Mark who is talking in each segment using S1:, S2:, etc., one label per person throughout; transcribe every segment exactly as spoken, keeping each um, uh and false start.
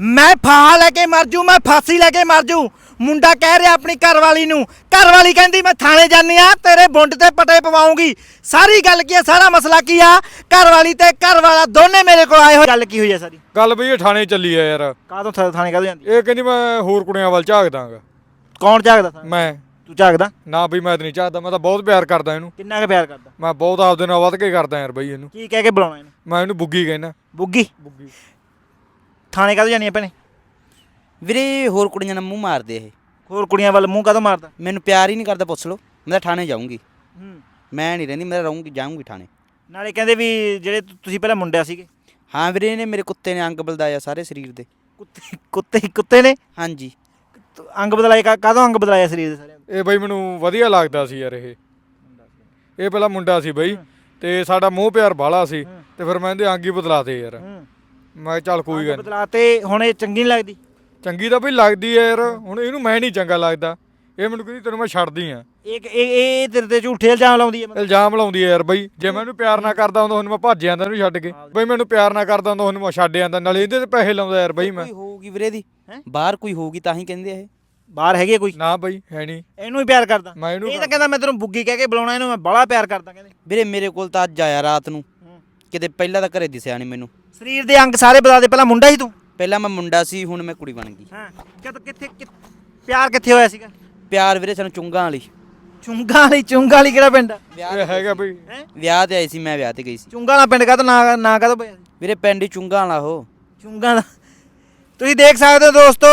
S1: ਮੈਂ ਫਾਹਾ ਲੈ ਕੇ ਮਰ ਜੂ, ਮੈਂ ਫਾਂਸੀ ਲੈ ਕੇ ਮਰ ਜੂ। ਮੁੰਡਾ ਕਹਿ ਰਿਹਾ ਆਪਣੀ ਘਰਵਾਲੀ ਨੂੰ, ਘਰਵਾਲੀ ਕਹਿੰਦੀ ਮੈਂ ਥਾਣੇ ਜਾਨੀ ਆ, ਤੇਰੇ ਬੁੰਡ ਤੇ ਪਟੇ ਪਵਾਉਂਗੀ। ਸਾਰੀ ਗੱਲ ਕੀ ਆ, ਸਾਰਾ ਮਸਲਾ ਕੀ ਆ? ਘਰਵਾਲੀ ਤੇ ਘਰਵਾਲਾ ਦੋਨੇ ਮੇਰੇ ਕੋਲ ਆਏ ਹੋਏ। ਗੱਲ ਕੀ ਹੋਈ ਆ ਸਾਰੀ?
S2: ਗੱਲ ਬਈ ਇਹ ਥਾਣੇ ਚੱਲੀ ਆ ਯਾਰ।
S1: ਕਾਹਤੋਂ ਥਾਣੇ ਕਾਹਤੋਂ ਜਾਂਦੀ?
S2: ਇਹ ਕਹਿੰਦੀ ਮੈਂ ਹੋਰ ਕੁੜੀਆਂ ਵੱਲ ਝਾਕਦਾਂਗਾ।
S1: ਕੌਣ ਝਾਕਦਾ?
S2: ਮੈਂ।
S1: ਤੂੰ ਝਾਕਦਾ?
S2: ਨਾ ਬਈ ਮੈਂ ਤਾਂ ਨਹੀਂ ਝਾਕਦਾ, ਮੈਂ ਤਾਂ ਬਹੁਤ ਪਿਆਰ ਕਰਦਾ ਇਹਨੂੰ।
S1: ਕਿੰਨਾ ਕੁ ਪਿਆਰ ਕਰਦਾ?
S2: ਮੈਂ ਬਹੁਤ ਆਪਦੇ ਨਾਲ ਵੱਧ ਕੇ ਕਰਦਾ ਯਾਰ ਬਈ ਇਹਨੂੰ।
S1: ਕੀ ਕਹਿ ਕੇ ਬੁਲਾਉਣਾ ਇਹਨੂੰ?
S2: ਮੈਂ ਇਹਨੂੰ ਬੁੱਗੀ ਕਹਿੰਦਾ।
S1: ਬੁੱਗੀ?
S2: ਬੁੱਗੀ।
S1: ਥਾਣੇ ਕਾਹਤੋਂ ਜਾਨੀ ਆ ਭੈਣੇ?
S3: ਵੀਰੇ ਹੋਰ ਕੁੜੀਆਂ ਨਾਲ ਮੂੰਹ ਮਾਰਦੇ ਇਹ।
S1: ਹੋਰ ਕੁੜੀਆਂ ਵੱਲ ਮੂੰਹ ਕਾਹਤੋਂ ਮਾਰਦਾ?
S3: ਮੈਨੂੰ ਪਿਆਰ ਹੀ ਨਹੀਂ ਕਰਦਾ, ਪੁੱਛ ਲਓ। ਮੈਂ ਤਾਂ ਥਾਣੇ ਜਾਊਂਗੀ।
S1: ਹੂੰ।
S3: ਮੈਂ ਨਹੀਂ ਰਹਿੰਦੀ, ਮੈਂ ਰਹੂੰਗੀ, ਜਾਊਂਗੀ ਥਾਣੇ।
S1: ਨਾਲੇ ਕਹਿੰਦੇ ਵੀ ਜਿਹੜੇ ਤੁ- ਤੁਸੀਂ ਪਹਿਲਾਂ ਮੁੰਡਿਆ ਸੀਗੇ।
S3: ਹਾਂ ਵੀਰੇ, ਇਹਨੇ ਮੇਰੇ ਕੁੱਤੇ ਨੇ ਅੰਗ ਬਲਦਾਇਆ ਸਾਰੇ ਸਰੀਰ ਦੇ।
S1: ਕੁੱਤੇ ਕੁੱਤੇ ਕੁੱਤੇ ਨੇ
S3: ਹਾਂਜੀ।
S1: ਅੰਗ ਬਦਲਾਏ? ਕਾ- ਕਾਹਤੋਂ ਅੰਗ ਬਦਲਾਇਆ ਸਰੀਰ ਦੇ ਸਾਰਿਆਂ ਦੇ?
S2: ਇਹ ਬਈ ਮੈਨੂੰ ਵਧੀਆ ਲੱਗਦਾ ਸੀ ਯਾਰ। ਇਹ ਇਹ ਪਹਿਲਾਂ ਮੁੰਡਾ ਸੀ ਬਈ, ਤੇ ਸਾਡਾ ਮੋਹ ਪਿਆਰ ਬਾਹਲਾ ਸੀ, ਤੇ ਫਿਰ ਮੈਂ ਇਹਦੇ ਅੰਗ ਹੀ ਬਦਲਾਤੇ ਯਾਰ।
S1: ਹੂੰ।
S2: ਮੈਂ ਕਿਹਾ ਚੱਲ ਕੋਈ ਗੱਲ ਨੀ।
S1: ਬਦਲਾਤੇ, ਹੁਣ ਇਹ ਚੰਗੀ ਨਹੀਂ ਲੱਗਦੀ?
S2: ਚੰਗੀ ਤਾਂ ਬਈ ਲੱਗਦੀ ਹੈ ਯਾਰ। ਹੁਣ ਇਹਨੂੰ ਮੈਂ ਨਹੀਂ ਚੰਗਾ ਲੱਗਦਾ। ਇਹ ਮੈਨੂੰ ਕਹਿੰਦੀ ਤੈਨੂੰ ਮੈਂ ਛੱਡਦੀ ਆ।
S1: ਇਹ ਇਹ ਇਹ ਤੇਰੇ ਤੇ ਝੂਠੇ ਇਲਜ਼ਾਮ ਲਾਉਂਦੀ ਹੈ ਮਤਲਬ?
S2: ਇਲਜ਼ਾਮ ਲਾਉਂਦੀ ਹੈ ਯਾਰ ਬਈ। ਜੇ ਮੈਂ ਇਹਨੂੰ ਪਿਆਰ ਨਾ ਕਰਦਾ ਹੁੰਦਾ ਉਹਨੂੰ ਮੈਂ ਭੱਜ ਜਾਂਦਾ ਇਹਨੂੰ ਛੱਡ ਕੇ। ਬਈ ਮੈਨੂੰ ਪਿਆਰ ਨਾ ਕਰਦਾ ਹੁੰਦਾ ਉਹਨੂੰ ਮੈਂ ਛੱਡ ਜਾਂਦਾ, ਨਾਲੇ ਇਹਦੇ ਤੇ ਪੈਸੇ ਲਾਉਂਦਾ ਯਾਰ ਬਈ ਮੈਂ।
S3: ਕੋਈ ਹੋਊਗੀ ਵੀਰੇ ਦੀ,
S1: ਹੈਂ?
S3: ਬਾਹਰ ਕੋਈ ਹੋਊਗੀ ਤਾਂ ਹੀ ਕਹਿੰਦੇ ਇਹ।
S1: ਬਾਹਰ ਹੈਗੀ ਕੋਈ?
S2: ਨਾ ਬਈ ਹੈ ਨਹੀਂ।
S1: ਇਹਨੂੰ ਹੀ ਪਿਆਰ ਕਰਦਾ?
S2: ਮੈਂ ਇਹਨੂੰ
S1: ਇਹ ਤਾਂ ਕਹਿੰਦਾ ਮੈਂ ਤੈਨੂੰ ਬੁੱਗੀ ਕਹਿ ਕੇ ਬੁਲਾਉਣਾ, ਇਹਨੂੰ ਮੈਂ ਬੜਾ ਪਿਆਰ ਕਰਦਾ ਕਹਿੰਦੇ।
S3: ਵੀਰੇ ਮੇਰੇ ਕੋਲ ਤਾਂ ਅੱਜ ਆਇਆ ਰਾਤ ਨੂੰ, ਕਿਤੇ ਪਹਿਲਾਂ ਤਾਂ ਘਰੇ ਦਿਸਿਆ ਨਹੀਂ ਮੈਨੂੰ।
S1: ਸਰੀਰ ਦੇ ਅੰਗ ਸਾਰੇ ਬਦਲਾ ਦੇ। ਪਹਿਲਾਂ ਮੁੰਡਾ ਸੀ ਤੂੰ?
S3: ਪਹਿਲਾਂ ਮੈਂ ਮੁੰਡਾ ਸੀ, ਹੁਣ ਮੈਂ ਕੁੜੀ ਬਣ ਗਈ।
S1: ਹਾਂ। ਕਦ ਕਿੱਥੇ ਕਿ- ਪਿਆਰ ਕਿੱਥੇ ਹੋਇਆ ਸੀਗਾ?
S3: ਪਿਆਰ ਵੀਰੇ ਸਾਨੂੰ ਚੁੰਗਾਂ ਵਾਲੀ।
S1: ਚੁੰਗਾ ਵਾਲੀ? ਚੁੰਗਾ ਵਾਲੀ ਕਿਹੜਾ ਪਿੰਡ ਆ?
S2: ਇਹ ਹੈਗਾ ਬਈ।
S1: ਹੈ?
S3: ਵਿਆਹ ਤੇ ਆਈ ਸੀ, ਮੈਂ ਵਿਆਹ ਤੇ ਗਈ ਸੀ।
S1: ਚੁੰਗਾ ਵਾਲਾ ਪਿੰਡ ਕਾ ਤਾਂ ਨਾ ਨਾ ਕਾ ਪਿਆ?
S3: ਵੀਰੇ ਪਿੰਡ ਹੀ ਚੁੰਗਾਂ ਵਾਲਾ ਉਹ।
S1: ਚੁੰਗਾ ਦਾ। ਤੁਸੀਂ ਦੇਖ ਸਕਦੇ ਹੋ ਦੋਸਤੋ,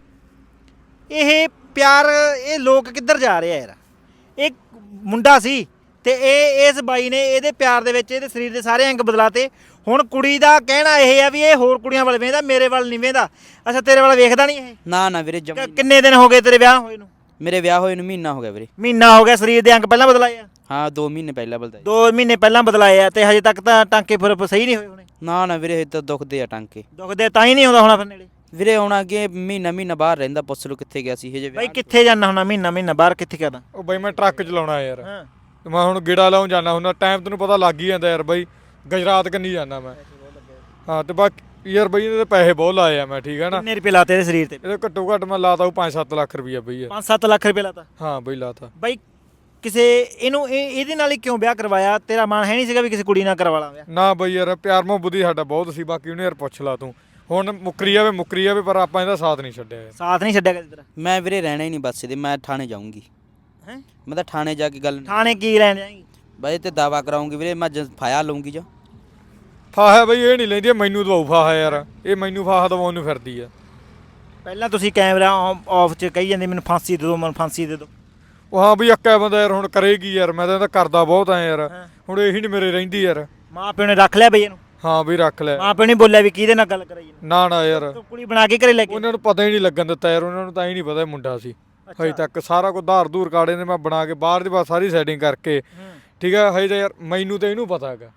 S1: ਇਹ ਪਿਆਰ, ਇਹ ਲੋਕ ਕਿੱਧਰ ਜਾ ਰਹੇ ਆ ਯਾਰ। ਇਹ ਮੁੰਡਾ ਸੀ ਤੇ ਇਹ ਇਸ ਬਾਈ ਨੇ ਇਹਦੇ ਪਿਆਰ ਦੇ ਵਿੱਚ ਇਹਦੇ ਸਰੀਰ ਦੇ ਸਾਰੇ ਅੰਗ ਬਦਲਾਤੇ। ਹੁਣ ਕੁੜੀ ਦਾ ਕਹਿਣਾ ਇਹ ਆ ਵੀ ਇਹ ਹੋਰ ਕੁੜੀਆਂ ਵੱਲ ਵੇਖਦਾ, ਮੇਰੇ ਵੱਲ ਨਹੀਂ ਵੇਖਦਾ। ਅੱਛਾ, ਤੇਰੇ ਵੱਲ ਵੇਖਦਾ ਨਹੀਂ ਇਹ?
S3: ਨਾ ਨਾ ਵੀਰੇ, ਜਮਾਂ
S1: ਕਿ-
S3: ਹੀ
S1: ਕਿੰਨੇ ਦਿਨ ਹੋ ਗਏ ਤੇਰੇ ਵਿਆਹ ਹੋਏ ਨੂੰ?
S3: ਨਹੀਂ। ਮੇਰੇ ਵਿਆਹ ਹੋਏ ਨੂੰ ਮਹੀਨਾ ਹੋ ਗਿਆ ਵੀਰੇ।
S1: ਮਹੀਨਾ ਹੋ ਗਿਆ। ਸਰੀਰ ਦੇ ਅੰਗ ਪਹਿਲਾਂ ਬਦਲਾਏ ਆ?
S3: ਹਾਂ, ਦੋ ਮਹੀਨੇ ਪਹਿਲਾਂ ਬਲਦਾਇਆ।
S1: ਦੋ ਮਹੀਨੇ ਪਹਿਲਾਂ ਬਦਲਾਏ ਆ ਤੇ ਹਜੇ ਤੱਕ ਤਾਂ ਟਾਂਕੇ ਫਿਰ ਸਹੀ ਨਹੀਂ ਹੋਏ ਹੋਣੇ?
S3: ਨਾ ਨਾ ਵੀਰੇ, ਇਹ ਤਾਂ ਦੁਖਦੇ ਆ ਟਾਂਕੇ।
S1: ਦੁਖਦੇ ਤਾਂ ਹੀ ਨਹੀਂ ਆਉਂਦਾ ਹੋਣਾ ਫਿਰ ਨੇੜੇ?
S3: ਵੀਰੇ ਆਉਣਾ ਅੱਗੇ ਮਹੀਨਾ ਮਹੀਨਾ ਬਾਹਰ ਰਹਿੰਦਾ, ਪੁੱਛ ਲਓ ਕਿੱਥੇ ਗਿਆ ਸੀ ਹਜੇ।
S1: ਬਾਈ ਕਿੱਥੇ ਜਾਣਾ ਹੁਣਾ ਮਹੀਨਾ ਮਹੀਨਾ ਬਾਹਰ? ਕਿੱਥੇ ਕਰਦਾ?
S2: ਉਹ ਬਈ ਮੈਂ ਟਰੱਕ ਚਲਾਉਣਾ ਯਾਰ।
S1: ਹਾਂ।
S2: ਤੇ ਮੈਂ ਹੁਣ ਗੇੜਾ ਲਾਉਣ ਜਾਣਾ ਹੁੰਦਾ। ਟਾਈਮ ਤੈਨੂੰ ਪਤਾ ਲੱਗ ਹੀ ਜਾਂਦਾ ਯਾਰ ਬਈ। ਗੁਜਰਾਤ ਕੰਨੀ ਜਾਂਦਾ ਮੈਂ। ਹਾਂ ਤੇ ਬਾਕੀ ਯਾਰ ਬਈ ਇਹਦੇ ਪੈਸੇ ਬਹੁਤ ਲਾਏ ਆ ਮੈਂ, ਠੀਕ ਹੈ ਨਾ।
S1: ਕਿੰਨੇ ਰੁਪਏ ਲਾਤੇ ਇਹਦੇ ਸਰੀਰ ਤੇ?
S2: ਇਹਦੇ ਘੱਟੋ ਘੱਟ ਮੈਂ ਲਾਤਾ ਉਹ ਪੰਜ ਸੱਤ ਲੱਖ ਰੁਪਈਆ ਬਈ ਯਾਰ।
S1: ਪੰਜ ਸੱਤ ਲੱਖ ਰੁਪਏ ਲਾਤਾ?
S2: ਹਾਂ ਬਈ ਲਾਤਾ।
S1: ਬਾਈ ਕਿਸੇ ਇਹਨੂੰ ਇਹ ਇਹਦੇ ਨਾਲ ਹੀ ਕਿਉਂ ਵਿਆਹ ਕਰਵਾਇਆ? ਤੇਰਾ ਮਨ ਹੈ ਨਹੀਂ ਸੀਗਾ ਵੀ ਕਿਸੇ ਕੁੜੀ ਨਾਲ ਕਰਵਾ ਲਾਂ ਵਿਆਹ?
S2: ਨਾ ਬਈ ਯਾਰ, ਪਿਆਰ ਮੁਹੱਬਤ ਹੀ ਸਾਡਾ ਬਹੁਤ ਸੀ। ਬਾਕੀ ਉਹਨੇ ਯਾਰ ਪੁੱਛ ਲਾ ਤੂੰ। ਹੁਣ ਮੁੱਕਰੀ ਜਾਵੇ ਮੁੱਕਰੀ ਜਾਵੇ, ਪਰ ਆਪਾਂ ਇਹਦਾ ਸਾਥ ਨਹੀਂ ਛੱਡਿਆ ਯਾਰ।
S1: ਸਾਥ ਨਹੀਂ ਛੱਡਿਆ ਕਦੇ ਤੇਰਾ?
S3: ਮੈਂ ਵੀਰੇ ਰਹਿਣਾ ਹੀ ਨਹੀਂ ਬੱਸ ਇਹਦੇ, ਮੈਂ ਥਾਣੇ ਜਾਊਂਗੀ।
S1: ਹੈ?
S3: ਮੈਂ ਤਾਂ ਥਾਣੇ ਜਾ ਕੇ ਗੱਲ
S1: ਥਾਣੇ ਕੀ ਲੈਣ ਜਾਏਂਗੀ?
S3: ਬਾਈ ਤੇ ਦਾਵਾ ਕਰਾਉਂਗੀ ਵੀਰੇ, ਮੈਂ ਜ- ਫਾਇਆ ਲਊਂਗੀ ਜਾ।
S2: ਫਾਹਾ ਬਈ ਇਹ ਨਹੀਂ ਲੈਂਦੀ, ਇਹ ਮੈਨੂੰ ਦਵਾਉ ਫਾਹਾ ਯਾਰ। ਇਹ ਮੈਨੂੰ ਫਾਹਾ ਦਵਾਉਣ ਨੂੰ ਫਿਰਦੀ ਆ।
S1: ਪਹਿਲਾਂ ਤੁਸੀਂ ਕੈਮਰਾ ਆਫ 'ਚ ਕਹੀ ਜਾਂਦੇ ਮੈਨੂੰ ਫਾਂਸੀ ਦੇ ਦਿਓ, ਮੈਨੂੰ ਫਾਂਸੀ ਦੇ ਦਿਓ।
S2: ਉਹ ਹਾਂ ਬਈ ਅੱਕਾ ਬੰਦਾ ਯਾਰ, ਹੁਣ ਕਰੇਗੀ ਯਾਰ। ਮੈਂ ਤਾਂ ਇਹਦਾ ਕਰਦਾ ਬਹੁਤ ਆ ਯਾਰ।
S1: ਹਾਂ।
S2: ਹੁਣ ਇਹੀ ਨਹੀਂ ਮੇਰੇ ਰਹਿੰਦੀ ਯਾਰ।
S1: ਮਾਂ ਪਿਓ ਨੇ ਰੱਖ ਲਿਆ ਬਈ ਇਹਨੂੰ?
S2: ਹਾਂ ਬਈ ਰੱਖ ਲੈ।
S1: ਮਾਂ ਪਿਓ ਨੇ ਬੋਲਿਆ ਵੀ ਕਿਹਦੇ ਨਾਲ ਗੱਲ ਕਰਾਈ ਇਹਨੂੰ?
S2: ਨਾ ਨਾ ਯਾਰ,
S1: ਤੂੰ ਕੁੜੀ ਬਣਾ ਕੇ ਘਰੇ ਲੈ ਕੇ?
S2: ਉਹਨਾਂ ਨੂੰ ਪਤਾ ਹੀ ਨਹੀਂ ਲੱਗਣ ਦਿੱਤਾ ਯਾਰ। ਉਹਨਾਂ ਨੂੰ ਤਾਂ ਹੀ ਨਹੀਂ ਪਤਾ ਇਹ ਮੁੰਡਾ ਸੀ। ਹਜੇ ਤੱਕ ਸਾਰਾ ਕੁਝ ਧਾਰ ਧੂਰ ਕਾੜੇ ਨੇ ਮੈਂ ਬਣਾ ਕੇ ਬਾਹਰ ਦੀ ਬਾਹਰ ਸਾਰੀ ਸੈਟਿੰਗ ਕਰਕੇ, ਠੀਕ ਹੈ। ਹਜੇ ਤਾਂ ਯਾਰ ਮੈਨੂੰ ਤਾਂ ਇਹਨੂੰ ਪਤਾ ਹੈਗਾ।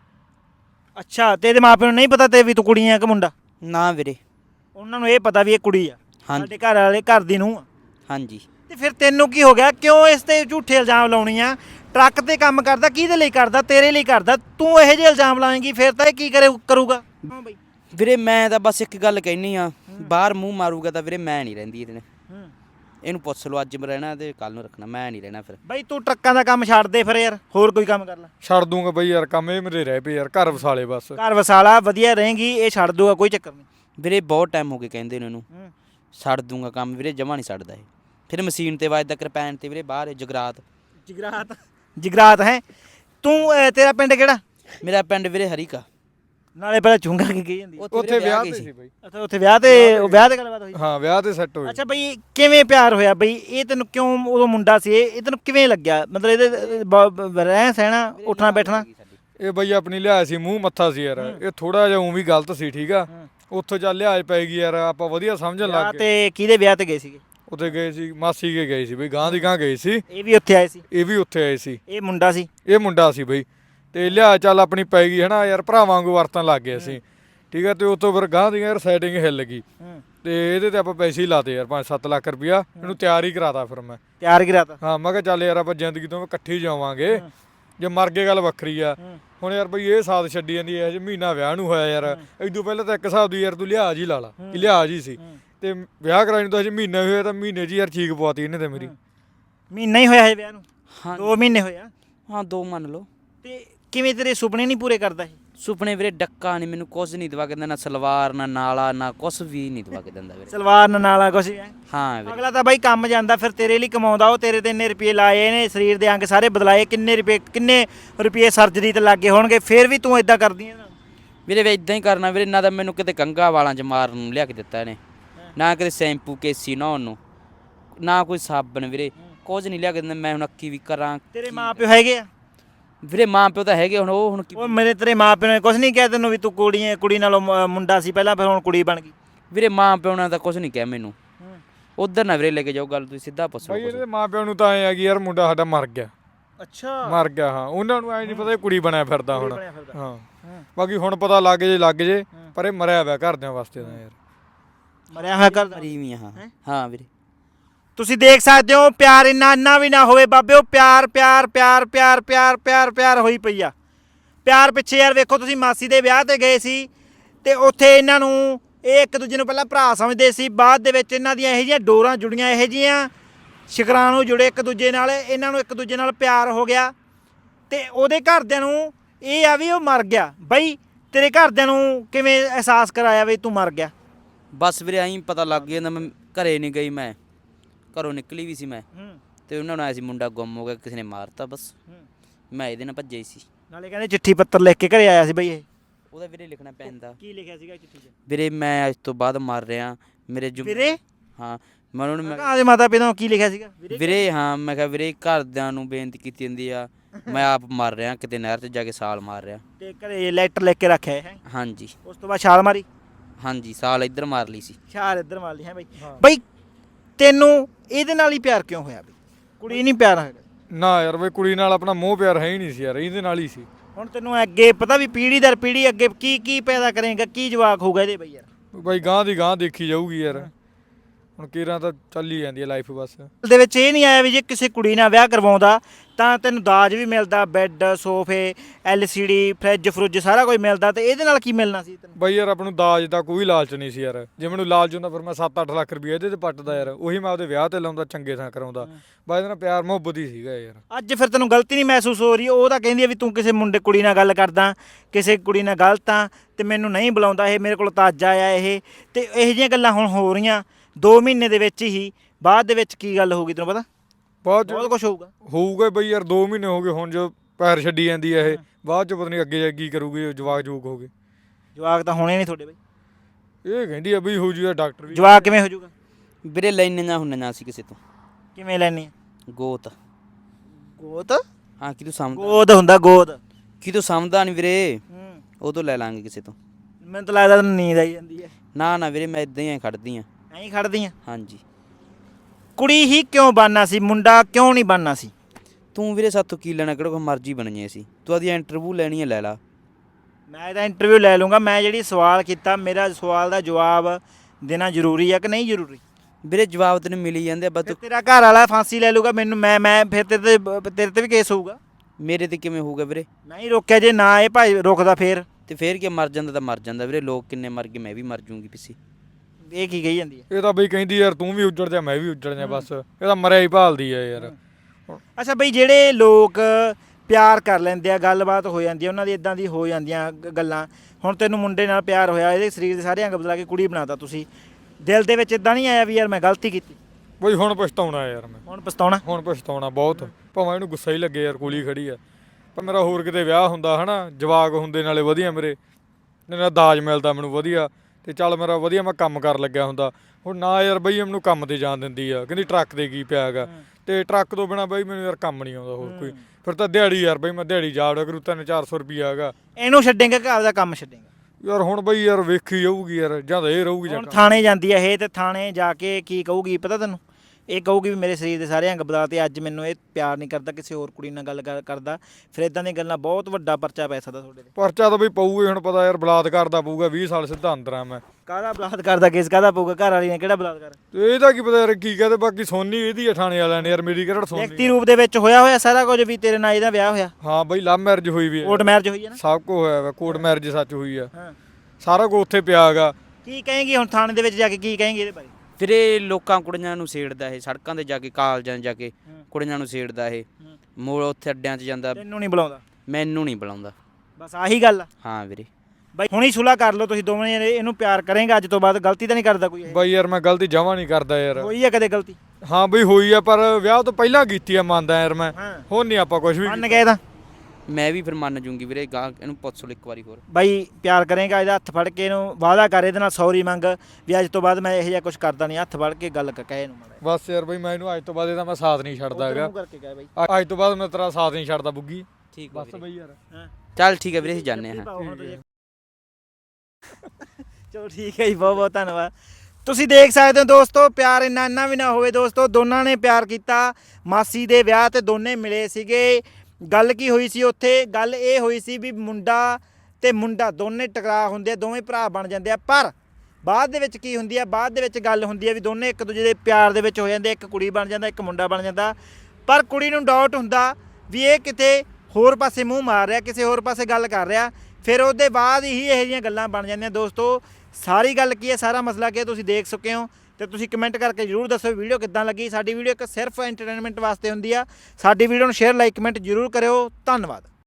S1: ਅੱਛਾ, ਤੇ ਇਹਦੇ ਮਾਂ ਪਿਓ ਨੂੰ ਨਹੀਂ ਪਤਾ ਤੇ ਵੀ ਤੂੰ ਕੁੜੀ ਆ ਕਿ ਮੁੰਡਾ?
S3: ਨਾ ਵੀਰੇ।
S1: ਉਹਨਾਂ ਨੂੰ ਇਹ ਪਤਾ ਵੀ ਇਹ ਕੁੜੀ ਆ,
S3: ਹਾਂਜੀ।
S1: ਸਾਡੇ ਘਰ ਵਾਲੇ ਘਰ ਦੀ ਨੂੰ ਆ।
S3: ਹਾਂਜੀ।
S1: ਤੇ ਫਿਰ ਤੈਨੂੰ ਕੀ ਹੋ ਗਿਆ? ਕਿਉਂ ਇਸ ਤੇ ਝੂਠੇ ਇਲਜ਼ਾਮ ਲਾਉਣੀ ਆ? ਟਰੱਕ ਤੇ ਕੰਮ ਕਰਦਾ, ਕਿਹਦੇ ਲਈ ਕਰਦਾ? ਤੇਰੇ ਲਈ ਕਰਦਾ। ਤੂੰ ਇਹੋ ਜਿਹੇ ਇਲਜ਼ਾਮ ਲਾਏਂਗੀ ਫਿਰ ਤਾਂ ਇਹ ਕੀ ਕਰੇ ਕਰੂਗਾ? ਹਾਂ ਬਈ।
S3: ਵੀਰੇ ਮੈਂ ਤਾਂ ਬਸ ਇੱਕ ਗੱਲ ਕਹਿਨੀ ਆ, ਬਾਹਰ ਮੂੰਹ ਮਾਰੂਗਾ ਤਾਂ ਵੀਰੇ ਮੈਂ ਨਹੀਂ ਰਹਿੰਦੀ ਇਹਦੇ ਨਾਲ। ਇਹਨੂੰ ਪੁੱਛ ਲਓ, ਅੱਜ ਮੈਂ ਰਹਿਣਾ ਤੇ ਕੱਲ ਨੂੰ ਰੱਖਣਾ, ਮੈਂ ਨਹੀਂ ਰਹਿਣਾ ਫਿਰ।
S1: ਬਈ ਤੂੰ ਟਰੱਕਾਂ ਦਾ ਕੰਮ ਛੱਡ ਦੇ ਫਿਰ ਯਾਰ, ਹੋਰ ਕੋਈ ਕੰਮ ਕਰ ਲੈ।
S2: ਛੱਡ ਦੂੰਗਾ ਬਈ ਯਾਰ ਕੰਮ, ਇਹ ਮੇਰੇ ਰਹਿ ਪਏ ਯਾਰ। ਘਰ ਵਸਾਲੇ ਬਸ।
S1: ਘਰ ਵਸਾਲਾ ਵਧੀਆ ਰਹੇਗੀ, ਇਹ ਛੱਡ ਦੂਗਾ, ਕੋਈ ਚੱਕਰ ਨਹੀਂ।
S3: ਵੀਰੇ ਬਹੁਤ ਟਾਈਮ ਹੋ ਗਿਆ ਕਹਿੰਦੇ ਨੇ ਇਹਨੂੰ, ਛੱਡ ਦੂੰਗਾ ਕੰਮ। ਵੀਰੇ ਜਮਾ ਨਹੀਂ ਛੱਡਦਾ ਇਹ। ਫਿਰ ਮਸ਼ੀਨ ਤੇ ਵੱਜਦਾ, ਕਿਰਪੈਨ ਤੇ ਵੀਰੇ ਬਾਹਰ ਹੈ ਜਗਰਾਤ।
S1: ਜਗਰਾਤ? ਜਗਰਾਤ ਹੈ? ਤੂੰ ਅਹ, ਤੇਰਾ ਪਿੰਡ ਕਿਹੜਾ?
S3: ਮੇਰਾ ਪਿੰਡ ਵੀਰੇ ਹਰੀਕਾ।
S1: ਨਾਲੇ ਪਹਿਲਾਂ ਚੁੰਗਾ ਕੀ ਕਹੀ ਜਾਂਦੀ?
S2: ਉੱਥੇ ਵਿਆਹ ਤੇ ਸੀ ਬਈ।
S1: ਅੱਛਾ, ਉੱਥੇ ਵਿਆਹ ਤੇ ਉਹ ਵਿਆਹ ਤੇ ਗੱਲਬਾਤ ਹੋਈ?
S2: ਹਾਂ ਵਿਆਹ ਤੇ ਸੈੱਟ ਹੋਈ।
S1: ਅੱਛਾ ਬਈ, ਕਿਵੇਂ ਪਿਆਰ ਹੋਇਆ ਬਈ? ਇਹ ਤੈਨੂੰ ਕਿਉਂ, ਉਦੋਂ ਮੁੰਡਾ ਸੀ ਇਹ, ਇਹ ਤੈਨੂੰ ਕਿਵੇਂ ਲੱਗਿਆ? ਮਤਲਬ ਇਹਦੇ ਬ- ਬ- ਰਹਿਣ ਸਹਿਣਾ, ਉੱਠਣਾ ਬੈਠਣਾ?
S2: ਇਹ ਬਈ ਆਪਣੀ ਲਿਹਾਜ਼ ਸੀ, ਮੂੰਹ ਮੱਥਾ ਸੀ ਯਾਰ। ਇਹ ਥੋੜਾ ਜਿਹਾ ਉਂ ਵੀ ਗਲਤ ਸੀ, ਠੀਕ ਆ। ਉੱਥੋਂ ਚੱਲ ਲਿਹਾਜ਼ ਪੈ ਗਈ ਯਾਰ, ਆਪਾਂ ਵਧੀਆ ਸਮਝਣ
S1: ਵਿਆਹ
S2: ਲੱਗ ਗਏ।
S1: ਤੇ ਕਿਹਦੇ ਵਿਆਹ ਤੇ ਗਏ ਸੀਗੇ?
S2: ਉੱਥੇ ਗਏ ਸੀ, ਮਾਸੀ ਕੇ ਗਏ ਸੀ ਬਈ, ਗਾਂ ਦੀ ਗਾਂ ਗਏ ਸੀ।
S1: ਇਹ ਵੀ ਉੱਥੇ ਆਏ ਸੀ?
S2: ਇਹ ਵੀ ਉੱਥੇ ਆਏ ਸੀ।
S1: ਇਹ ਮੁੰਡਾ ਸੀ?
S2: ਇਹ ਮੁੰਡਾ ਸੀ ਬਈ। ਤੇ ਲਿਹਾਜ਼ ਚੱਲ ਆਪਣੀ ਪੈ ਗਈ ਹਨਾ ਯਾਰ, ਭਰਾ ਵਾਂਗੂ ਵਰਤਣ ਲੱਗ ਗਏ ਅਸੀਂ, ਠੀਕ ਆ। ਤੇ ਉਤੋਂ ਫਿਰ ਗਾਂ ਦੀ ਯਾਰ ਸੈਟਿੰਗ ਹਿੱਲ ਗਈ। ਤੇ ਇਹਦੇ ਤੇ ਆਪਾਂ ਪੈਸੇ ਹੀ ਲਾਤੇ ਯਾਰ, ਪੰਜ ਸੱਤ ਲੱਖ ਰੁਪਇਆ। ਇਹਨੂੰ ਤਿਆਰ ਹੀ ਕਰਾਤਾ ਫਿਰ ਮੈਂ।
S1: ਤਿਆਰ ਕਰਾਤਾ?
S2: ਹਾਂ ਮੈਂ ਕਿਹਾ ਚੱਲ ਯਾਰ ਆਪਾਂ ਜ਼ਿੰਦਗੀ ਤੋਂ ਇਕੱਠੇ ਹੀ ਜਾਵਾਂਗੇ, ਜੇ ਮਰ ਗਏ ਗੱਲ ਵੱਖਰੀ ਆ। ਹੁਣ ਯਾਰ ਬਈ ਇਹ ਸਾਥ ਛੱਡੀ ਜਾਂਦੀ ਐ, ਜੇ ਮਹੀਨਾ ਵਿਆਹ ਨੂੰ ਹੋਇਆ ਯਾਰ, ਇਦੋਂ ਪਹਿਲਾਂ ਤਾਂ ਇੱਕ ਹਿਸਾਬ ਦੀ ਯਾਰ ਤੂੰ ਲਿਹਾਜ਼ ਹੀ ਲਾ ਲਾ ਕਿ ਲਿਹਾਜ਼ ਹੀ ਸੀ, ਤੇ ਵਿਆਹ ਕਰਾਉਣ ਤੋਂ ਹਜੇ ਮਹੀਨਾ ਹੋਇਆ ਤਾਂ ਮਹੀਨੇ 'ਚ ਯਾਰ ਠੀਕ ਪਵਾਤੀ ਇਹਨੇ ਤੇ ਮੇਰੀ।
S1: ਮਹੀਨਾ ਹੀ ਹੋਇਆ ਹੈ ਵਿਆਹ ਨੂੰ?
S3: ਹਾਂ
S1: ਦੋ ਮਹੀਨੇ ਹੋਇਆ।
S3: ਹਾਂ ਦੋ ਮੰਨ ਲਓ।
S1: ਤੇ ਕਿਵੇਂ ਤੇਰੇ ਸੁਪਨੇ ਨਹੀਂ ਪੂਰੇ ਕਰਦਾ ਇਹ?
S3: ਸੁਪਨੇ ਵੀਰੇ ਡੱਕਾ ਨਹੀਂ ਮੈਨੂੰ ਕੁਝ ਨਹੀਂ ਦਵਾ ਕੇ ਦਿੰਦਾ, ਨਾ ਸਲਵਾਰ ਨਾ ਨਾਲਾ ਨਾ ਕੁਝ ਵੀ ਨਹੀਂ ਦਵਾ ਕੇ ਦਿੰਦਾ ਵੀਰੇ।
S1: ਸਲਵਾਰ ਨਾਲ ਨਾਲਾ ਕੁਛ ਹੈ?
S3: ਹਾਂ ਵੀਰੇ।
S1: ਅਗਲਾ ਤਾਂ ਬਾਈ ਕੰਮ ਜਾਂਦਾ ਫਿਰ ਤੇਰੇ ਲਈ ਕਮਾਉਂਦਾ, ਉਹ ਤੇਰੇ ਤੇ ਇੰਨੇ ਰੁਪਏ ਲਾਏ ਨੇ, ਸਰੀਰ ਦੇ ਅੰਗ ਸਾਰੇ ਬਦਲਾਏ, ਕਿੰਨੇ ਰੁਪਏ ਕਿੰਨੇ ਰੁਪਏ ਸਰਜਰੀ ਤੇ ਲੱਗੇ ਹੋਣਗੇ, ਫਿਰ ਵੀ ਤੂੰ ਇਦਾਂ ਕਰਦੀ ਹੈ?
S3: ਵੀਰੇ ਵੇ ਇਦਾਂ ਹੀ ਕਰਨਾ ਵੀਰੇ। ਨਾ ਤਾਂ ਮੈਨੂੰ ਕਿਤੇ ਕੰਗਾ ਵਾਲਾਂ 'ਚ ਮਾਰਨ ਨੂੰ ਲਿਆ ਕੇ ਦਿੱਤਾ ਇਹਨੇ, ਨਾ ਕਿਤੇ ਸ਼ੈਂਪੂ ਕੇਸੀ ਨਹਾਉਣ ਨੂੰ, ਨਾ ਕੋਈ ਸਾਬਣ ਵੀਰੇ, ਕੁਝ ਨਹੀਂ ਲਿਆ ਕੇ ਦਿੰਦਾ। ਮੈਂ ਹੁਣ ਅੱਕੀ ਵੀ ਕਰਾਂ।
S1: ਤੇਰੇ ਮਾਪਿਓ ਹੈਗੇ ਆ?
S3: ਵੀਰੇ ਮਾਂ ਪਿਓ ਤਾਂ ਹੈਗੇ, ਹੁਣ ਉਹ ਹੁਣ ਕੀ।
S1: ਉਹ ਮੇਰੇ ਤੇਰੇ ਮਾਪਿਓ ਨੇ ਕੁਝ ਨਹੀਂ ਕਿਹਾ ਤੈਨੂੰ ਵੀ ਤੂੰ ਕੁੜੀ ਹੈ, ਕੁੜੀ ਨਾਲੋਂ ਮ- ਮੁੰਡਾ ਸੀ ਪਹਿਲਾਂ ਫਿਰ ਹੁਣ ਕੁੜੀ ਬਣ ਗਈ?
S3: ਵੀਰੇ ਮਾਂ ਪਿਓ ਨੇ ਤਾਂ ਕੁਝ ਨਹੀਂ ਕਿਹਾ ਮੈਨੂੰ। ਉਧਰ ਨਾ ਵੀਰੇ ਲੈ ਕੇ ਜਾਓ ਗੱਲ, ਤੁਸੀਂ ਸਿੱਧਾ ਪੁੱਛੋ।
S2: ਬਈ ਇਹਦੇ ਮਾਂ ਪਿਓ ਨੂੰ ਤਾਂ ਐਂ ਆ ਕਿ ਯਾਰ ਮੁੰਡਾ ਸਾਡਾ ਮਰ ਗਿਆ।
S1: ਅੱਛਾ
S2: ਮਰ ਗਿਆ, ਹਾਂ। ਉਹਨਾਂ ਨੂੰ ਐਂ ਨਹੀਂ ਪਤਾ ਇਹ ਕੁੜੀ ਬਣਿਆ ਫਿਰਦਾ ਹੁਣ।
S1: ਬਣਿਆ ਫਿਰਦਾ।
S2: ਹਾਂ ਬਾਕੀ ਹੁਣ ਪਤਾ ਲੱਗ ਜੇ ਲੱਗ ਜੇ, ਪਰ ਇਹ ਮਰਿਆ ਹੋਇਆ ਘਰਦਿਆਂ ਵਾਸਤੇ ਤਾਂ ਯਾਰ।
S1: ਮਰਿਆ ਹੋਇਆ ਕਰਦਾ?
S3: ਮਰੀਵੀਂ ਹਾਂ ਹਾਂ ਵੀਰੇ।
S1: ਤੁਸੀਂ ਦੇਖ ਸਕਦੇ ਹੋ ਪਿਆਰ ਇੰਨਾ ਇੰਨਾ ਵੀ ਨਾ ਹੋਵੇ ਬਾਬਿਓ, ਪਿਆਰ ਪਿਆਰ ਪਿਆਰ ਪਿਆਰ ਪਿਆਰ ਪਿਆਰ ਪਿਆਰ ਹੋਈ ਪਈ ਆ। ਪਿਆਰ ਪਿੱਛੇ ਯਾਰ ਵੇਖੋ ਤੁਸੀਂ ਮਾਸੀ ਦੇ ਵਿਆਹ ਤੇ ਗਏ ਸੀ ਤੇ ਉੱਥੇ ਇਹਨਾਂ ਨੂੰ ਇਹ ਇੱਕ ਦੂਜੇ ਨੂੰ ਪਹਿਲਾਂ ਭਰਾ ਸਮਝਦੇ ਸੀ, ਬਾਅਦ ਦੇ ਵਿੱਚ ਇਹਨਾਂ ਦੀਆਂ ਇਹੋ ਜਿਹੀਆਂ ਡੋਰਾਂ ਜੁੜੀਆਂ, ਇਹੋ ਜਿਹੀਆਂ ਸ਼ੁਕਰਾਣੂ ਜੁੜੇ ਇੱਕ ਦੂਜੇ ਨਾਲ, ਇਹਨਾਂ ਨੂੰ ਇੱਕ ਦੂਜੇ ਨਾਲ ਪਿਆਰ ਹੋ ਗਿਆ ਤੇ ਉਹਦੇ ਘਰਦਿਆਂ ਨੂੰ ਇਹ ਆ ਵੀ ਉਹ ਮਰ ਗਿਆ। ਬਈ ਤੇਰੇ ਘਰਦਿਆਂ ਨੂੰ ਕਿਵੇਂ ਅਹਿਸਾਸ ਕਰਾਇਆ ਵੀ ਤੂੰ ਮਰ ਗਿਆ?
S3: ਬਸ ਵੀਰੇ ਐਂ ਪਤਾ ਲੱਗ ਗਿਆ। ਮੈਂ ਘਰੇ ਨਹੀਂ ਗਈ, ਮੈਂ ਘਰੋਂ ਨਿਕਲੀ ਵੀ ਸੀ ਮੈਂ, ਤੇ ਉਹਨਾਂ ਨੂੰ ਆਇਆ ਸੀ ਮੁੰਡਾ ਗੁੰਮ ਹੋ ਗਿਆ, ਕਿਸੇ ਨੇ ਮਾਰਤਾ, ਬਸ ਮੈਂ ਇਹਦੇ ਨਾਲ ਭੱਜਿਆ ਹੀ ਸੀ।
S1: ਨਾਲੇ ਕਹਿੰਦੇ ਚਿੱਠੀ ਪੱਤਰ ਲਿਖ ਕੇ ਘਰੇ ਆਇਆ ਸੀ ਬਈ ਇਹ।
S3: ਉਹਦਾ ਵੀਰੇ ਲਿਖਣਾ ਪੈਂਦਾ।
S1: ਕੀ ਲਿਖਿਆ ਸੀਗਾ ਚਿੱਠੀ 'ਚ?
S3: ਵੀਰੇ ਮੈਂ ਅੱਜ ਤੋਂ ਬਾਅਦ ਮਰ ਰਿਹਾ ਮੇਰੇ ਜੁ
S1: ਵੀਰੇ?
S3: ਹਾਂ ਮੈਂ ਉਹਨਾਂ ਨੂੰ ਮੈਂ
S1: ਕਹਾਂ ਦੇ ਮਾਤਾ ਪਿਤਾ ਨੂੰ ਕੀ ਲਿਖਿਆ ਸੀਗਾ ਵੀਰੇ?
S3: ਵੀਰੇ ਹਾਂ ਮੈਂ ਕਿਹਾ ਵੀਰੇ ਘਰਦਿਆਂ ਨੂੰ ਬੇਨਤੀ ਕੀਤੀ ਜਾਂਦੀ ਆ, ਮੈਂ ਆਪ ਮਰ ਰਿਹਾ, ਕਿਤੇ ਨਹਿਰ 'ਚ ਜਾ ਕੇ ਸਾਲ ਮਾਰ ਰਿਹਾ।
S1: ਤੇ ਘਰੇ ਲੈਟਰ ਲਿਖ ਕੇ ਰੱਖਿਆ ਹੈ?
S3: ਹਾਂਜੀ
S1: ਉਸ ਤੋਂ ਬਾਅਦ ਛਾਲ ਮਾਰੀ?
S3: ਹਾਂਜੀ ਸਾਲ ਇੱਧਰ ਮਾਰ ਲਈ ਸੀ।
S1: ਛਾਲ ਇੱਧਰ ਮਾਰ ਲਈ ਹੈ ਬਈ। ਬਈ ਤੈਨੂੰ ਇਹਦੇ ਨਾਲ ਹੀ ਪਿਆਰ ਕਿਉਂ ਹੋਇਆ ਬਈ? ਕੁੜੀ ਨਹੀਂ ਪਿਆਰ ਹੈਗਾ?
S2: ਨਾ ਯਾਰ ਬਈ ਕੁੜੀ ਨਾਲ ਆਪਣਾ ਮੋਹ ਪਿਆਰ ਹੈ ਹੀ ਨਹੀਂ ਸੀ ਯਾਰ, ਇਹਦੇ ਨਾਲ ਹੀ ਸੀ।
S1: ਹੁਣ ਤੈਨੂੰ ਅੱਗੇ ਪਤਾ ਵੀ ਪੀੜ੍ਹੀ ਦਰ ਪੀੜ੍ਹੀ ਅੱਗੇ ਕੀ ਕੀ ਪੈਦਾ ਕਰੇਗਾ, ਕੀ ਜਵਾਕ ਹੋਊਗਾ ਇਹਦੇ ਬਈ ਯਾਰ?
S2: ਬਈ ਗਾਂ ਦੀ ਗਾਂ ਦੇਖੀ ਜਾਊਗੀ ਯਾਰ, ਹੁਣ ਕੀਰਾਂ ਤਾਂ ਚੱਲ ਹੀ ਜਾਂਦੀ ਹੈ ਲਾਈਫ ਬਸ।
S1: ਦੇ ਵਿੱਚ ਇਹ ਨਹੀਂ ਆਇਆ ਵੀ ਜੇ ਕਿਸੇ ਕੁੜੀ ਨਾਲ ਵਿਆਹ ਕਰਵਾਉਂਦਾ ਤਾਂ ਤੈਨੂੰ ਦਾਜ ਵੀ ਮਿਲਦਾ, ਬੈੱਡ ਸੋਫੇ ਐਲ ਸੀ ਡੀ ਫਰਿੱਜ ਫਰੁੱਜ ਸਾਰਾ ਕੁਝ ਮਿਲਦਾ, ਤੇ ਇਹਦੇ ਨਾਲ ਕੀ ਮਿਲਣਾ ਸੀ ਤੈਨੂੰ?
S2: ਬਈ ਯਾਰ ਆਪਾਂ ਨੂੰ ਦਾਜ ਦਾ ਕੋਈ ਲਾਲਚ ਨਹੀਂ ਸੀ ਯਾਰ। ਜੇ ਮੈਨੂੰ ਲਾਲਚ ਹੁੰਦਾ ਫਿਰ ਮੈਂ ਸੱਤ ਅੱਠ ਲੱਖ ਰੁਪਏ ਇਹਦੇ ਤੇ ਪੱਟਦਾ ਯਾਰ, ਉਹੀ ਮੈਂ ਆਪਦੇ ਵਿਆਹ ਤੇ ਲਾਉਂਦਾ, ਚੰਗੇ ਥਾਂ ਕਰਾਉਂਦਾ। ਬਸ ਇਹਦੇ ਨਾਲ ਪਿਆਰ ਮੁਹੱਬਤ ਹੀ ਸੀਗਾ ਯਾਰ। ਅੱਜ
S1: ਫਿਰ ਤੈਨੂੰ ਗਲਤੀ ਨਹੀਂ ਮਹਿਸੂਸ ਹੋ ਰਹੀ? ਉਹ ਤਾਂ ਕਹਿੰਦੀ ਆ ਵੀ ਤੂੰ ਕਿਸੇ ਮੁੰਡੇ ਕੁੜੀ ਨਾਲ ਗੱਲ ਕਰਦਾ, ਕਿਸੇ ਕੁੜੀ ਨਾਲ ਗਲਤ ਆ ਤੇ ਮੈਨੂੰ ਨਹੀਂ ਬੁਲਾਉਂਦਾ, ਇਹ ਮੇਰੇ ਕੋਲ ਤਾਜਾ ਆ ਇਹ, ਤੇ ਇਹੋ ਜਿਹੀਆਂ ਗੱਲਾਂ ਹੁਣ ਹੋ ਰਹੀਆਂ ਦੋ ਮਹੀਨੇ ਦੇ ਵਿੱਚ ਹੀ। ਬਾਅਦ ਦੇ ਵਿੱਚ ਕੀ ਗੱਲ ਹੋਊਗੀ ਤੈਨੂੰ ਪਤਾ?
S2: ਬਾਅਦ
S1: ਬਹੁਤ
S2: ਚ
S1: ਕੁਝ ਹੋਊਗਾ।
S2: ਹੋਊਗਾ ਬਈ ਯਾਰ, ਦੋ ਮਹੀਨੇ ਹੋ ਗਏ ਹੁਣ ਜੋ ਪੈਰ ਛੱਡੀ ਜਾਂਦੀ ਹੈ ਇਹ, ਬਾਅਦ ਚ ਪਤਾ ਨਹੀਂ ਅੱਗੇ ਜਾ ਕੀ ਕਰੂਗੀ, ਜਵਾਕ ਜੂਕ ਹੋ ਗਏ।
S1: ਜਵਾਕ ਤਾਂ ਹੋਣੇ ਨਹੀਂ ਤੁਹਾਡੇ ਬਈ?
S2: ਇਹ ਕਹਿੰਦੀ ਆ ਬਈ ਹੋ ਜੂਗਾ, ਡਾਕਟਰ ਵੀ।
S1: ਜਵਾਕ ਕਿਵੇਂ ਹੋ ਜਾਊਗਾ?
S3: ਵੀਰੇ ਲੈਣੀਆਂ ਹੁੰਦੀਆਂ ਸੀ ਕਿਸੇ ਤੋਂ।
S1: ਕਿਵੇਂ ਲੈਣੀ?
S3: ਗੋਤ।
S1: ਗੋਤ?
S3: ਹਾਂ ਕਿਤੋਂ ਸਮਝਦਾ
S1: ਗੋਦ ਹੁੰਦਾ ਗੋਦ?
S3: ਕਿਤੋਂ ਸਮਝਦਾ ਨਹੀਂ ਵੀਰੇ,
S1: ਹੂੰ
S3: ਉਹ ਤੋਂ ਲੈ ਲਾਂਗੇ ਕਿਸੇ ਤੋਂ।
S1: ਮੈਨੂੰ ਤਾਂ ਲੱਗਦਾ ਤੈਨੂੰ ਨੀਂਦ ਆਈ ਜਾਂਦੀ ਹੈ।
S3: ਨਾ ਨਾ ਵੀਰੇ ਮੈਂ ਇਦਾਂ ਹੀ ਖੜਦੀ ਆ।
S1: ਐਂ ਹੀ ਖੜਦੀ ਆ?
S3: ਹਾਂਜੀ।
S1: ਕੁੜੀ ਹੀ ਕਿਉਂ ਬਣਨਾ ਸੀ, ਮੁੰਡਾ ਕਿਉਂ ਨਹੀਂ ਬਣਨਾ ਸੀ?
S3: ਤੂੰ ਵੀਰੇ ਸਾਥੋਂ ਕੀ ਲੈਣਾ, ਕਿਹੜਾ ਮਰਜ਼ੀ ਬਣੀਏ ਸੀ। ਤੂੰ ਆਦੀ ਇੰਟਰਵਿਊ ਲੈਣੀ ਹੈ ਲੈ ਲਾ।
S1: ਮੈਂ ਤਾਂ ਇੰਟਰਵਿਊ ਲੈ ਲੂੰਗਾ। ਮੈਂ ਜਿਹੜੀ ਸਵਾਲ ਕੀਤਾ, ਮੇਰਾ ਸਵਾਲ ਦਾ ਜਵਾਬ ਦੇਣਾ ਜ਼ਰੂਰੀ ਆ ਕਿ ਨਹੀਂ ਜ਼ਰੂਰੀ?
S3: ਵੀਰੇ ਜਵਾਬ ਤੈਨੂੰ ਮਿਲੀ ਜਾਂਦੇ ਆ, ਬਸ
S1: ਫਿਰ
S3: ਤੂੰ
S1: ਤੇਰਾ ਘਰ ਵਾਲਾ ਫਾਂਸੀ ਲੈ ਲੂਗਾ ਮੈਨੂੰ, ਮੈਂ ਮੈਂ ਫਿਰ ਤੇਰੇ ਤੇ ਤੇਰੇ ਤੇ ਵੀ ਕੇਸ ਹੋਊਗਾ।
S3: ਮੇਰੇ ਤੇ ਕਿਵੇਂ ਹੋਊਗਾ ਵੀਰੇ?
S1: ਨਹੀਂ ਰੋਕਿਆ ਜੇ ਨਾ ਇਹ ਭਾਈ ਰੁਕਦਾ ਫੇਰ?
S3: ਤੇ ਫੇਰ ਕੀ, ਮਰ ਜਾਂਦਾ ਤਾਂ ਮਰ ਜਾਂਦਾ ਵੀਰੇ। ਲੋਕ ਕਿੰਨੇ ਮਰ ਗਏ, ਮੈਂ ਵੀ ਮਰ ਜੂੰਗੀ ਪਿੱਛੇ।
S1: ਇਹ ਕੀ ਕਹੀ ਜਾਂਦੀ ਹੈ?
S2: ਇਹ ਤਾਂ ਬਈ ਕਹਿੰਦੀ ਯਾਰ ਤੂੰ ਵੀ ਉੱਜੜ ਜਾ ਮੈਂ ਵੀ ਉੱਜੜ ਜਾ, ਬਸ ਇਹ ਤਾਂ ਮਰਿਆ ਹੀ ਭਾਲਦੀ ਆ ਯਾਰ।
S1: ਅੱਛਾ ਬਈ ਜਿਹੜੇ ਲੋਕ ਪਿਆਰ ਕਰ ਲੈਂਦੇ ਆ, ਗੱਲਬਾਤ ਹੋ ਜਾਂਦੀ ਆ ਉਹਨਾਂ ਦੀ, ਇਦਾਂ ਦੀ ਹੋ ਜਾਂਦੀਆਂ ਗ- ਗੱਲਾਂ। ਹੁਣ ਤੈਨੂੰ ਮੁੰਡੇ ਨਾਲ ਪਿਆਰ ਹੋਇਆ, ਇਹਦੇ ਸਰੀਰ ਦੇ ਸਾਰੇ ਅੰਗ ਬਦਲਾ ਕੇ ਕੁੜੀ ਬਣਾਤਾ ਤੁਸੀਂ, ਦਿਲ ਦੇ ਵਿੱਚ ਇਦਾਂ ਨਹੀਂ ਆਇਆ ਵੀ ਯਾਰ ਮੈਂ ਗਲਤੀ ਕੀਤੀ?
S2: ਬਈ ਹੁਣ ਪਛਤਾਉਣਾ ਯਾਰ ਮੈਂ,
S1: ਹੁਣ ਪਛਤਾਉਣਾ?
S2: ਹੁਣ ਪਛਤਾਉਣਾ ਬਹੁਤ। ਭਾਵੇਂ ਇਹਨੂੰ ਗੁੱਸਾ ਹੀ ਲੱਗੇ ਯਾਰ, ਕੋਲੀ ਖੜੀ ਆ। ਪਰ ਮੇਰਾ ਹੋਰ ਕਿਤੇ ਵਿਆਹ ਹੁੰਦਾ ਹਨਾ, ਜਵਾਕ ਹੁੰਦੇ ਨਾਲੇ ਵਧੀਆ, ਮੇਰੇ ਨਾਲ ਦਾਜ ਮਿਲਦਾ ਮੈਨੂੰ ਵਧੀਆ, ਤੇ ਚੱਲ ਮੇਰਾ ਵਧੀਆ ਮੈਂ ਕੰਮ ਕਰ ਲੱਗਿਆ ਹੁੰਦਾ। ਹੁਣ ਨਾ ਯਾਰ ਬਈ ਮੈਨੂੰ ਕੰਮ ਤੇ ਜਾਣ ਦਿੰਦੀ ਆ, ਕਹਿੰਦੀ ਟਰੱਕ ਦੇ ਕੀ ਪਿਆ ਹੈਗਾ, ਤੇ ਟਰੱਕ ਤੋਂ ਬਿਨਾ ਬਈ ਮੈਨੂੰ ਯਾਰ ਕੰਮ ਨਹੀਂ ਆਉਂਦਾ ਹੋਰ ਕੋਈ। ਫਿਰ ਤਾਂ ਦਿਹਾੜੀ ਯਾਰ ਬਈ ਮੈਂ ਦਿਹਾੜੀ ਜਾ ਵੜਿਆ ਕਰੂ, ਤਿੰਨ ਚਾਰ ਸੌ ਰੁਪਈਆ ਹੈਗਾ।
S1: ਇਹਨੂੰ ਛੱਡੇਂਗਾ ਕਿ ਆਪਦਾ ਕੰਮ ਛੱਡੇਂਗਾ?
S2: ਯਾਰ ਹੁਣ ਬਈ ਯਾਰ ਵੇਖੀ ਜਾਊਗੀ ਯਾਰ, ਜਾਂ ਤਾਂ ਇਹ ਰਹੂਗੀ ਜਾਂ
S1: ਹੁਣ ਥਾਣੇ ਜਾਂਦੀ ਆ ਇਹ, ਤੇ ਥਾਣੇ ਜਾ ਕੇ ਕੀ ਕਹੂਗੀ ਪਤਾ ਤੈਨੂੰ? ਇਹ ਕਹੂਗੀ ਵੀ ਮੇਰੇ ਸਰੀਰ ਦੇ ਸਾਰੇ ਅੰਗ ਬਦਲਾ ਤੇ ਅੱਜ ਮੈਨੂੰ ਇਹ ਪਿਆਰ ਨਹੀਂ ਕਰਦਾ, ਕਿਸੇ ਹੋਰ ਕੁੜੀ ਨਾਲ ਗੱਲ ਕਰ- ਕਰਦਾ, ਫਿਰ ਇਦਾਂ ਦੀਆਂ ਗੱਲਾਂ ਬਹੁਤ ਵੱਡਾ ਪਰਚਾ ਪੈ ਸਕਦਾ ਤੁਹਾਡੇ ਤੇ।
S2: ਪਰਚਾ ਤਾਂ ਬਈ ਪਊਗਾ ਹੀ, ਹੁਣ ਪਤਾ ਯਾਰ ਬਲਾਤਕਾਰ ਦਾ ਪਊਗਾ, ਵੀਹ ਸਾਲ ਸਿੱਧਾ ਅੰਦਰ ਆ ਮੈਂ।
S1: ਕਾਹਦਾ ਬਲਾਤਕਾਰ ਦਾ ਕੇਸ ਕਾਹਦਾ ਪਊਗਾ? ਘਰ ਵਾਲੀ ਨੇ ਕਿਹੜਾ ਬਲਾਤਕਾਰ?
S2: ਤੇ ਇਹਦਾ ਕੀ ਪਤਾ ਯਾਰ ਕੀ ਕਹਦੇ, ਬਾਕੀ ਸੋਨੀ ਇਹਦੀ ਆ ਥਾਣੇ ਵਾਲਿਆਂ ਨੇ ਯਾਰ, ਮੇਰੀ ਕਿਹੜਾ ਸੋਨੀ
S1: ਲਿਖਤੀ ਰੂਪ ਦੇ ਵਿੱਚ ਹੋਇਆ ਹੋਇਆ ਸਾਰਾ ਕੁਝ ਵੀ ਤੇਰੇ ਨਾਲ ਇਹਦਾ ਵਿਆਹ ਹੋਇਆ?
S2: ਹਾਂ ਬਈ ਲਵ ਮੈਰਿਜ ਹੋਈ ਵੀ
S1: ਕੋਰਟ
S2: ਹੈ,
S1: ਮੈਰਿਜ ਹੋਈ ਹੈ ਨਾ?
S2: ਸਭ ਕੁਝ ਹੋਇਆ ਵਾ, ਕੋਰਟ ਮੈਰਿਜ ਸੱਚ ਹੋਈ ਆ,
S1: ਹਾਂ।
S2: ਸਾਰਾ ਕੁਝ ਉੱਥੇ ਪਿਆ ਹੈਗਾ।
S1: ਕੀ ਕਹੇਂਗੀ ਹੁਣ ਥਾਣੇ ਦੇ ਵਿੱਚ ਜਾ ਕੇ, ਕੀ ਕਹੇਂਗੀ ਇਹਦੇ ਬਾਰੇ?
S3: ਵੀਰੇ ਲੋਕਾਂ ਕੁੜੀਆਂ ਨੂੰ ਛੇੜਦਾ ਇਹ, ਸੜਕਾਂ ਤੇ ਜਾ ਕੇ, ਕਾਲਜਾਂ 'ਚ ਜਾ ਕੇ ਕੁੜੀਆਂ ਨੂੰ ਛੇੜਦਾ ਇਹ, ਮੋੜ ਉੱਥੇ ਅੱਡਿਆਂ 'ਚ ਜਾਂਦਾ,
S1: ਤੈਨੂੰ ਨਹੀਂ ਬੁਲਾਉਂਦਾ?
S3: ਮੈਨੂੰ ਨਹੀਂ ਬੁਲਾਉਂਦਾ।
S1: ਬਸ ਆਹੀ ਗੱਲ ਆ
S3: ਹਾਂ ਵੀਰੇ।
S1: ਬਾਈ, ਹੁਣੀ ਸੁਲਾ ਕਰ ਲਓ ਤੁਸੀਂ ਦੋਵੇਂ ਜਣੇ, ਇਹਨੂੰ ਪਿਆਰ ਕਰੇਂਗਾ ਅੱਜ ਤੋਂ ਬਾਅਦ? ਗਲਤੀ ਤਾਂ ਨਹੀਂ ਕਰਦਾ ਕੋਈ ਇਹ?
S2: ਬਾਈ ਯਾਰ ਮੈਂ ਗਲਤੀ ਜਮਾਂ ਨਹੀਂ ਕਰਦਾ ਯਾਰ।
S1: ਹੋਈ ਆ ਕਦੇ ਗਲਤੀ?
S2: ਹਾਂ ਬਈ ਹੋਈ ਆ, ਪਰ ਵਿਆਹ ਤੋਂ ਪਹਿਲਾਂ ਕੀਤੀ ਆ, ਮੰਨਦਾ ਯਾਰ ਮੈਂ।
S1: ਹਾਂ।
S2: ਹੁਣ ਨਹੀਂ ਆਪਾਂ ਕੁਝ ਵੀ
S1: ਮੰਨ ਗਏ ਤਾਂ?
S3: ਮੈਂ ਵੀ ਫਿਰ ਮੰਨ ਜੂੰਗੀ ਵੀਰੇ, ਗਾਂ ਇਹਨੂੰ ਪੁੱਛ ਲਓ ਇੱਕ ਵਾਰੀ ਹੋਰ।
S1: ਬਾਈ ਪਿਆਰ ਕਰੇਂਗਾ, ਇਹਦਾ ਹੱਥ ਫੜ ਕੇ ਇਹਨੂੰ ਵਾਅਦਾ ਕਰ, ਇਹਦੇ ਨਾਲ ਸੌਰੀ ਮੰਗ ਵੀ ਅੱਜ ਤੋਂ ਬਾਅਦ ਮੈਂ ਇਹੋ ਜਿਹਾ ਕੁਝ ਕਰਦਾ ਨਹੀਂ, ਹੱਥ ਫੜ ਕੇ ਗੱਲ ਕ- ਕਹਿ ਇਹਨੂੰ ਮਾੜਾ
S2: ਬਸ ਯਾਰ ਬਈ ਮੈਂ ਇਹਨੂੰ ਅੱਜ ਤੋਂ ਬਾਅਦ ਇਹਦਾ ਮੈਂ ਸਾਥ ਨਹੀਂ ਛੱਡਦਾ
S1: ਜਿਹਾ।
S2: ਹੈਗਾ।
S1: ਮੂੰਹ ਕਰਕੇ ਕਹਿ ਬਾਈ।
S2: ਅ- ਅੱਜ ਤੋਂ ਬਾਅਦ ਮੈਂ ਤੇਰਾ ਸਾਥ ਨਹੀਂ ਛੱਡਦਾ ਬੁੱਗੀ।
S3: ਠੀਕ
S2: ਬਸ ਬਈ ਯਾਰ।
S1: ਹਾਂ।
S3: ਚੱਲ ਠੀਕ ਹੈ ਵੀਰੇ, ਅਸੀਂ ਜਾਂਦੇ ਹਾਂ।
S1: ਚਲੋ ਠੀਕ ਹੈ ਜੀ, ਬਹੁਤ ਬਹੁਤ ਧੰਨਵਾਦ। ਤੁਸੀਂ ਦੇਖ ਸਕਦੇ ਹੋ ਦੋਸਤੋ, ਪਿਆਰ ਇੰਨਾ ਇੰਨਾ ਵੀ ਨਾ ਹੋਵੇ ਦੋਸਤੋ, ਦੋਨਾਂ ਨੇ ਪਿਆਰ ਕੀਤਾ, ਮਾਸੀ ਦੇ ਵਿਆਹ ਤੇ ਦੋਨੇ ਮਿਲੇ ਸੀਗੇ। ਗੱਲ ਕੀ ਹੋਈ ਸੀ ਉੱਥੇ? ਗੱਲ ਇਹ ਹੋਈ ਸੀ ਵੀ ਮੁੰਡਾ ਤੇ ਮੁੰਡਾ ਦੋਨੇ ਟਕਰਾਅ ਹੁੰਦੇ ਆ, ਦੋਵੇਂ ਭਰਾ ਬਣ ਜਾਂਦੇ ਆ, ਪਰ ਬਾਅਦ ਦੇ ਵਿੱਚ ਕੀ ਹੁੰਦੀ ਆ? ਬਾਅਦ ਦੇ ਵਿੱਚ ਗੱਲ ਹੁੰਦੀ ਆ ਵੀ ਦੋਨੇ ਇੱਕ ਦੂਜੇ ਦੇ ਪਿਆਰ ਦੇ ਵਿੱਚ ਹੋ ਜਾਂਦੇ, ਇੱਕ ਕੁੜੀ ਬਣ ਜਾਂਦਾ, ਇੱਕ ਮੁੰਡਾ ਬਣ ਜਾਂਦਾ, ਪਰ ਕੁੜੀ ਨੂੰ ਡਾਊਟ ਹੁੰਦਾ ਵੀ ਇਹ ਕਿਤੇ ਹੋਰ ਪਾਸੇ ਮੂੰਹ ਮਾਰ ਰਿਹਾ, ਕਿਸੇ ਹੋਰ ਪਾਸੇ ਗੱਲ ਕਰ ਰਿਹਾ, ਫਿਰ ਉਹਦੇ ਬਾਅਦ ਹੀ ਇਹੋ ਜਿਹੀਆਂ ਗੱਲਾਂ ਬਣ ਜਾਂਦੀਆਂ ਦੋਸਤੋ। ਸਾਰੀ ਗੱਲ ਕੀ ਹੈ, ਸਾਰਾ ਮਸਲਾ ਕੀ ਹੈ, ਤੁਸੀਂ ਦੇਖ ਚੁੱਕੇ ਹੋ ਤੇ ਤੁਸੀਂ ਕਮੈਂਟ ਕਰਕੇ ਜ਼ਰੂਰ ਦੱਸੋ ਵੀਡੀਓ ਕਿੱਦਾਂ ਲੱਗੀ। ਸਾਡੀ ਵੀਡੀਓ ਇੱਕ ਸਿਰਫ ਐਂਟਰਟੇਨਮੈਂਟ ਵਾਸਤੇ ਹੁੰਦੀ ਆ। ਸਾਡੀ ਵੀਡੀਓ ਨੂੰ ਸ਼ੇਅਰ, ਲਾਈਕ, ਕਮੈਂਟ ਜ਼ਰੂਰ ਕਰਿਓ। ਧੰਨਵਾਦ।